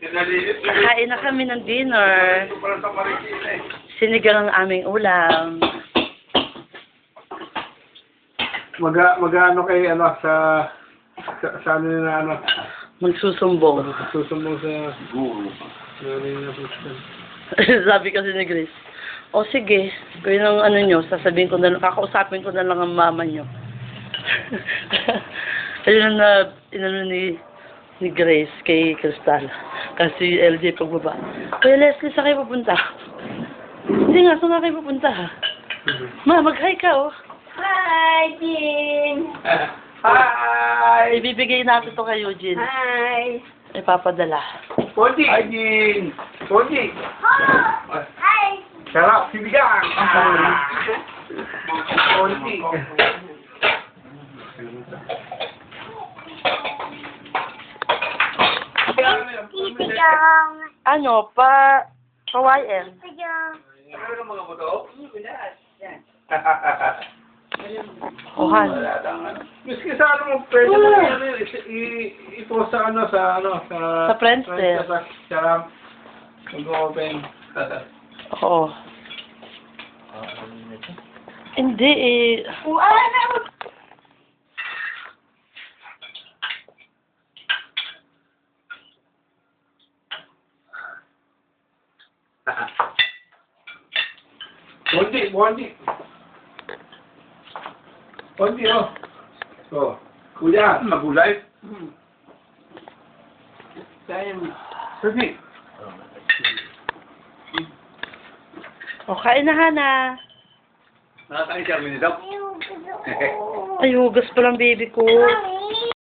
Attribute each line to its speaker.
Speaker 1: Kakain na kami ng dinner. Sinigang ang aming ulam.
Speaker 2: Mag-ano kay ano sa ano na ano
Speaker 1: Magsusumbong.
Speaker 2: susumbong sa guru.
Speaker 1: Sabi kasi ni Grace, o sige, kung yun ang ano nyo, sasabihin ko na lang, kakausapin ko na lang ang mama nyo. Ayun na, inano ni Grace kay Crystal. Kasi LJ pagbaba. Kuya Leslie, saan kayo pupunta? Hindi nga, saan nga kayo pupunta? Ma, mag-hi ka, oh.
Speaker 3: Hi, Jean.
Speaker 2: Hi!
Speaker 1: Ibibigay natin to kay Eugene.
Speaker 3: Hi.
Speaker 1: Ipapadala.
Speaker 2: Ponji! Hi, Jean! Ponji!
Speaker 3: Hi.
Speaker 2: Sarap! Sinigang! Ponji!
Speaker 3: Sinigang.
Speaker 1: Ano, YM.
Speaker 3: Sinigang.
Speaker 2: Ano ng mga buto?
Speaker 1: Ohan.
Speaker 2: Miski sa ano mo, pwede mo ano, i-post sa ano, sa
Speaker 1: Sa Friendster.
Speaker 2: Sa mag-open.
Speaker 1: Oo. Hindi eh.
Speaker 2: Bondi, oh. Oh, kuya, magulay. Sige.
Speaker 1: O, kain na, Hana.
Speaker 2: Nakakain siya, minidap.
Speaker 1: Ay, hugas pa lang baby ko.